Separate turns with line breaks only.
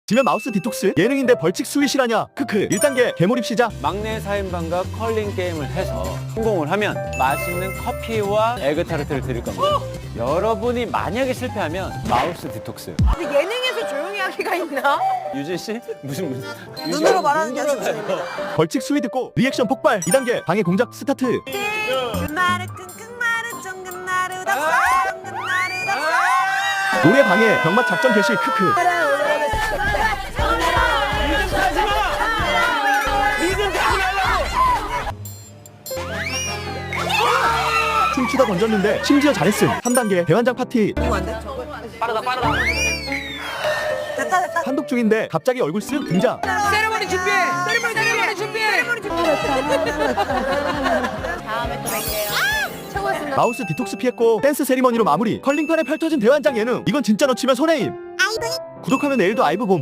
지면 마우스 디톡스? 예능인데 벌칙 스윗이라냐? 크크. 1단계 개몰입 시작.
막내 4인방과 컬링 게임을 해서 성공을 하면 맛있는 커피와 에그타르트를 드릴 겁니다. 여러분이 만약에 실패하면 마우스 디톡스.
근데 예능에서 조용히 하기가 있나?
유진 씨? 무슨
눈으로 말하는 게
눈으로
아니라
말해요.
벌칙 스윗 듣고 리액션 폭발. 2단계 방해 공작 스타트.
끝나르 끙끙나르 쫑긋나르 답사 쫑긋나르 답사
노래 방해 병맛 작전 개시. 크크. 춤추다 던졌는데 심지어 잘했음. 3단계 대환장 파티.
빠르다 됐다 됐다
한독 중인데 갑자기 얼굴 쓱 등장.
세레머니 준비해 세레머니 준비해 다음에 또 뵐게요 최고였습니다
마우스 디톡스 피했고 댄스 세리머니로 마무리. 컬링판에 펼쳐진 대환장 예능. 이건 진짜 놓치면 손해임. 구독하면 내일도 아이브 봄.